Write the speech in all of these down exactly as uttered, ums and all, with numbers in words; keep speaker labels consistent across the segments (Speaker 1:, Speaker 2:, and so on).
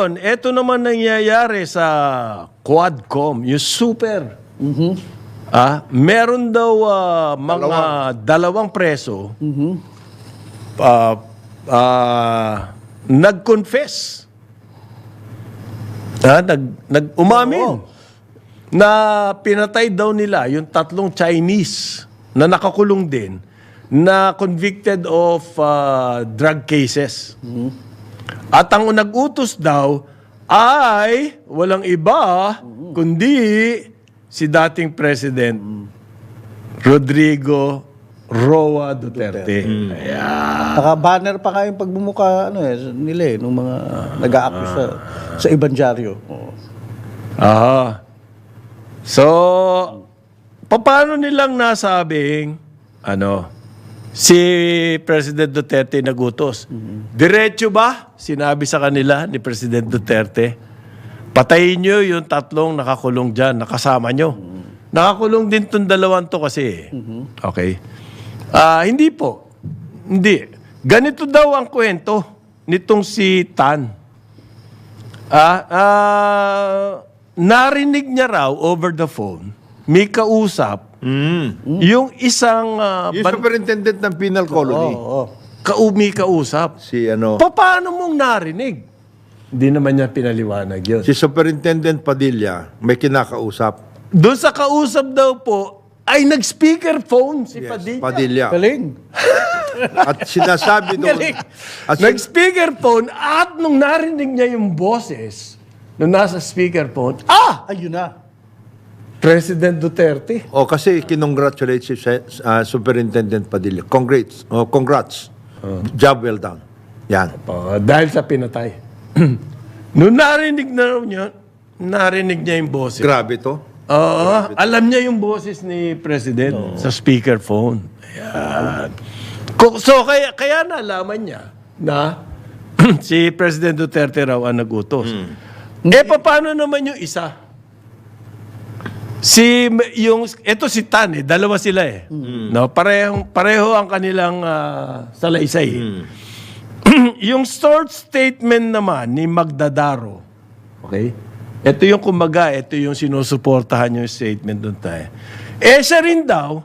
Speaker 1: Ngayon, eto naman nangyayari sa Quadcom, yung super. Ah, meron daw ah, mga dalawang preso ah, ah, nag-confess. Ah, nag, nag umamin na pinatay daw nila yung tatlong Chinese na nakakulong din na convicted of ah, drug cases. At ang nag-utos daw ay walang iba kundi si dating President Rodrigo Roa Duterte. Ayan.
Speaker 2: Naka-banner pa nga yung pagbumuka ano, eh, nila eh, nung mga nag-a-accuse sa, sa Ibanjaryo. Oo.
Speaker 1: Aha. So, paano nilang nasabing ano, si President Duterte nagutos? Diretso ba? Sinabi sa kanila ni President Duterte, patayin nyo yung tatlong nakakulong dyan, nakasama nyo. Nakakulong din tong dalawang to kasi. Okay. Ah, hindi po. Hindi. Ganito daw ang kwento nitong si Tan. Ah, ah, narinig niya raw over the phone, may kausap, yung isang ah,
Speaker 3: Yung
Speaker 1: ban-
Speaker 3: superintendent ng penal colony.
Speaker 2: Oo.
Speaker 1: kaumi kausap.
Speaker 3: Si ano,
Speaker 1: Pa- Paano mong narinig? Hindi naman niya pinaliwanag yun.
Speaker 3: si Superintendent Padilla may kinakausap.
Speaker 1: Doon sa kausap daw po, ay nag-speakerphone si
Speaker 3: Yes,
Speaker 1: Padilla.
Speaker 3: Padilla.
Speaker 2: Galing.
Speaker 3: At sinasabi doon,
Speaker 1: Galing.
Speaker 3: at sin-
Speaker 1: Nag-speakerphone at nung narinig niya yung boses, nung nasa speakerphone, ah!
Speaker 2: Ayun na.
Speaker 1: President Duterte.
Speaker 3: oh, kasi kinongratulate si uh, Superintendent Padilla. Congrats. Oh, congrats. Job well done. Yan.
Speaker 1: Oh, dahil sa pinatay. Nung narinig na raw niya, narinig niya yung boses.
Speaker 3: Grabe to.
Speaker 1: Oo, alam niya yung boses ni President sa speakerphone. Ayan. Ko- So, kaya, kaya nalaman niya na si President Duterte raw ang nagutos. Eh, paano naman yung isa? Si, yung, ito si Tan eh, dalawa sila eh. No, pareho, pareho ang kanilang ah, salaysay. eh. Yung short statement naman ni Magdadaro, okay? Ito yung kumbaga, ito yung sinusuportahan yung statement doon tayo. Eh, siya rin daw,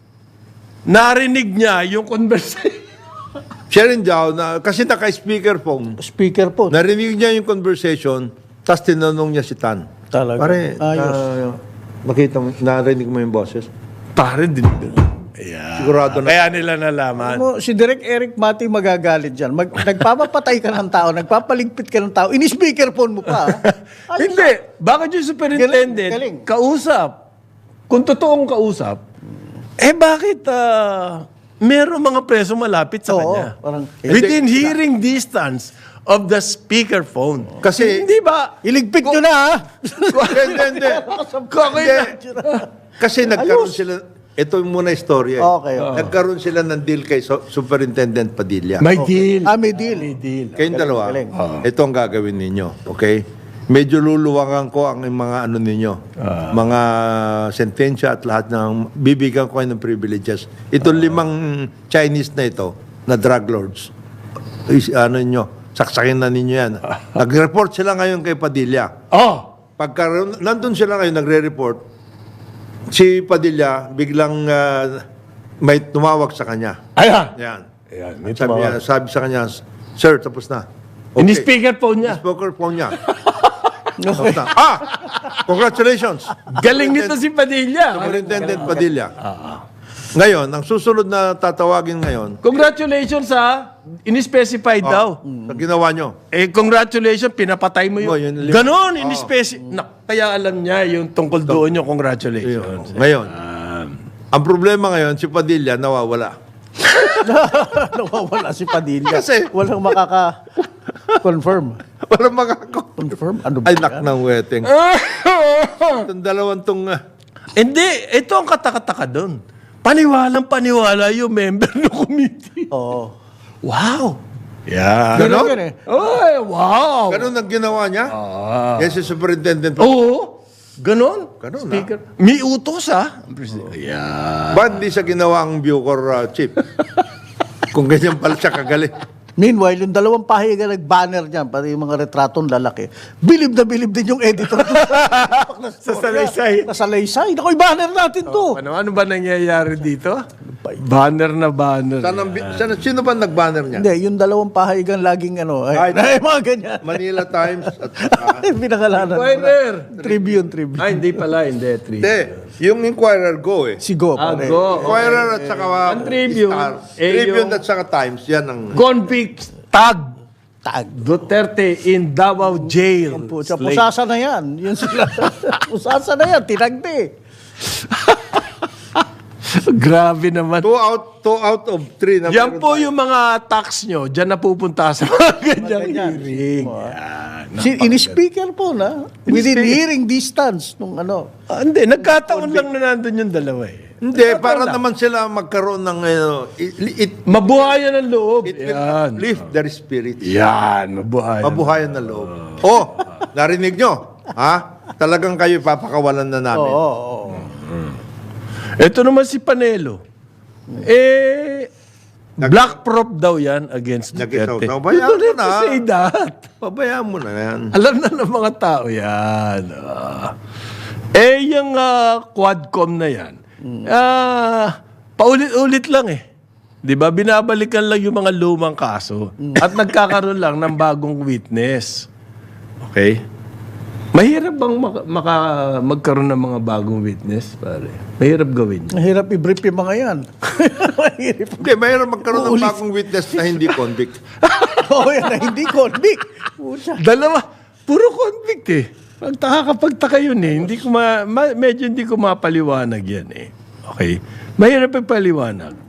Speaker 1: narinig niya yung conversation.
Speaker 3: Siya rin daw, na, kasi naka-speakerphone,
Speaker 2: Speaker po.
Speaker 3: narinig niya yung conversation, tapos tinanong niya si Tan.
Speaker 2: Talaga.
Speaker 3: Pare,
Speaker 2: Ayos.
Speaker 3: ah, makita mo, narinig mo yung boses?
Speaker 1: Pare din. Ayan.
Speaker 3: Sigurado na.
Speaker 1: Kaya nila nalaman.
Speaker 2: Mo, si Direk Eric Mati magagalit dyan. Mag, nagpapapatay ka ng tao, nagpapaligpit ka ng tao, ini-speakerphone mo pa. ah. Ayos.
Speaker 1: Hindi. Bakit yung superintendent,
Speaker 2: Galing, galing.
Speaker 1: kausap? Kung totoong kausap, eh bakit ah, meron mga preso malapit sa
Speaker 2: Oo,
Speaker 1: kanya?
Speaker 2: parang-
Speaker 1: Within hearing distance of the speakerphone.
Speaker 3: Kasi-
Speaker 1: hindi ba?
Speaker 2: Iligpit nyo na, ha?
Speaker 3: Hindi, hindi.
Speaker 1: Kakita.
Speaker 3: Kasi nagkaroon sila, ito muna istorya. eh.
Speaker 2: Okay, okay.
Speaker 3: Nagkaroon sila ng deal kay Su- Superintendent Padilla.
Speaker 1: May deal.
Speaker 2: Ah, may deal.
Speaker 1: May deal.
Speaker 3: Kayong dalawa,
Speaker 2: galing.
Speaker 3: ito ang gagawin ninyo. Okay? Medyo luluwangan ko ang mga ano ninyo. Mga sentensya at lahat ng bibigyan ko kayo ng privileges. Ito limang Chinese na ito, na drug lords. Is, ano ninyo, saksakin na ninyo yan. Nag-report sila ngayon kay Padilla.
Speaker 1: Oh!
Speaker 3: Pagka nandun sila ngayon, nagre-report, si Padilla biglang ah, may tumawag sa kanya.
Speaker 1: Ayan.
Speaker 3: Yan.
Speaker 1: Ayan. May
Speaker 3: Sabi,
Speaker 1: tumawag.
Speaker 3: niya, sabi sa kanya, Sir, tapos na.
Speaker 1: Ini-speakerphone niya.
Speaker 3: Spoker phone niya. Tapos na. Ah! Congratulations!
Speaker 1: Galing nito si Padilla.
Speaker 3: Superintendent Padilla. Ngayon, ang susunod na tatawagin ngayon,
Speaker 1: Congratulations ha. In-specified daw.
Speaker 3: sa ginawa nyo,
Speaker 1: Eh, congratulations, pinapatay mo
Speaker 3: Oh,
Speaker 1: yun.
Speaker 3: yun, lim-
Speaker 1: Ganon, in-specific. Na, kaya alam niya yung tungkol doon yung congratulations.
Speaker 3: ngayon, ang problema ngayon, si Padilla nawawala.
Speaker 2: Nawawala si Padilla.
Speaker 3: Kasi-
Speaker 2: walang makaka-confirm.
Speaker 3: Walang makako.
Speaker 2: Confirm? Ano ba
Speaker 3: Ay,
Speaker 2: yan?
Speaker 3: nak ng weteng. Itong dalawang tong... ah,
Speaker 1: Hindi, ito ang katakataka doon. Paniwalang paniwala yung member ng committee.
Speaker 2: Oo.
Speaker 1: Wow! Yeah.
Speaker 2: Ganon
Speaker 3: Ganon?
Speaker 2: yan eh.
Speaker 1: Ay, wow!
Speaker 3: Ganun ang ginawa niya?
Speaker 1: Ah.
Speaker 3: Yes, si Superintendent.
Speaker 1: Oo. Ganon.
Speaker 3: Ganon,
Speaker 1: Speaker. May utos ha. Yeah.
Speaker 3: Ba't di siya ginawa ang Bucor uh, chief? Kung ganyan pala siya kagaling.
Speaker 2: Meanwhile, yung dalawang pahiga nag-banner niyan, pati yung mga retratong lalaki, bilib na bilib din yung editor.
Speaker 1: Sa salaysay.
Speaker 2: Sa salaysay. Naku, i-banner natin to.
Speaker 1: Ano, ano ba nangyayari dito? Banner na banner.
Speaker 3: Saan ang bi- saan- sino ba nag-banner niya?
Speaker 2: Hindi, yung dalawang pahigang laging ano, ay,
Speaker 3: Ay,
Speaker 2: ay, mga ganyan.
Speaker 3: Manila Times at saka-
Speaker 2: Ay, pinakalanan.
Speaker 1: Inquirer.
Speaker 2: Tribune, Tribune.
Speaker 1: Ay, hindi pala, hindi. Three.
Speaker 3: Hindi, yung Inquirer Go eh.
Speaker 2: Si Go,
Speaker 1: Ah,
Speaker 2: pare.
Speaker 1: go.
Speaker 3: Inquirer at saka
Speaker 1: Ang Tribune,
Speaker 3: Star.
Speaker 1: eh,
Speaker 3: Tribune
Speaker 1: yung-
Speaker 3: at saka Times, yan ang...
Speaker 1: Convict tag
Speaker 2: Tag.
Speaker 1: Duterte in Davao Jail.
Speaker 2: Pusa,
Speaker 1: Slave.
Speaker 2: pusasa na yan. Yun sila. Pusasa na yan, tinagdi.
Speaker 1: Grabe naman.
Speaker 3: Two out, two out of three. Na
Speaker 1: Yan
Speaker 3: meron
Speaker 1: po
Speaker 3: tayo.
Speaker 1: yung mga tax nyo. Diyan napupunta sa mga ganyang
Speaker 2: ganyan.
Speaker 1: hearing. Yan.
Speaker 2: Si, ini-speaker po na. Within hearing distance nung ano.
Speaker 1: Ah, hindi, nagkataon lang na nandun yung dalawa eh.
Speaker 3: Hindi, para naman sila magkaroon ng... ano, it, it,
Speaker 1: Mabuhayan ang loob.
Speaker 3: it will
Speaker 1: Yan.
Speaker 3: uplift their spirits.
Speaker 1: Yan, mabuhayan.
Speaker 3: Mabuhayan na loob. Oh, narinig nyo? Ha? Talagang kayo papakawalan na namin.
Speaker 2: Oo, oo, oo.
Speaker 1: Ito naman si Panelo. Eh, black prop daw yan against
Speaker 3: Nag-isaw.
Speaker 1: Duterte.
Speaker 3: So, bayaan
Speaker 1: You don't
Speaker 3: mo
Speaker 1: have to
Speaker 3: na.
Speaker 1: say that.
Speaker 3: Pabayaan mo na yan.
Speaker 1: Alam na ng mga tao yan. Ah. eh, yung ah, Quadcom na yan, ah, paulit-ulit lang eh. Di ba? Binabalikan lang yung mga lumang kaso at nagkakaroon lang ng bagong witness. Okay? Mahirap bang maka, maka- magkaroon ng mga bagong witness, pare? Mahirap gawin.
Speaker 2: Mahirap i-brief yung mga yan. Mahirap.
Speaker 3: Hindi, mayroon magkaroon ng bagong witness na hindi convict.
Speaker 2: Oo, yan na hindi convict. Pusa.
Speaker 1: Dalawa, puro convict eh. Pagtaka kapag taka yun eh. Hindi ko ma, ma- medyo hindi ko mapaliwanag yan eh. Okay? Mahirap ipaliwanag.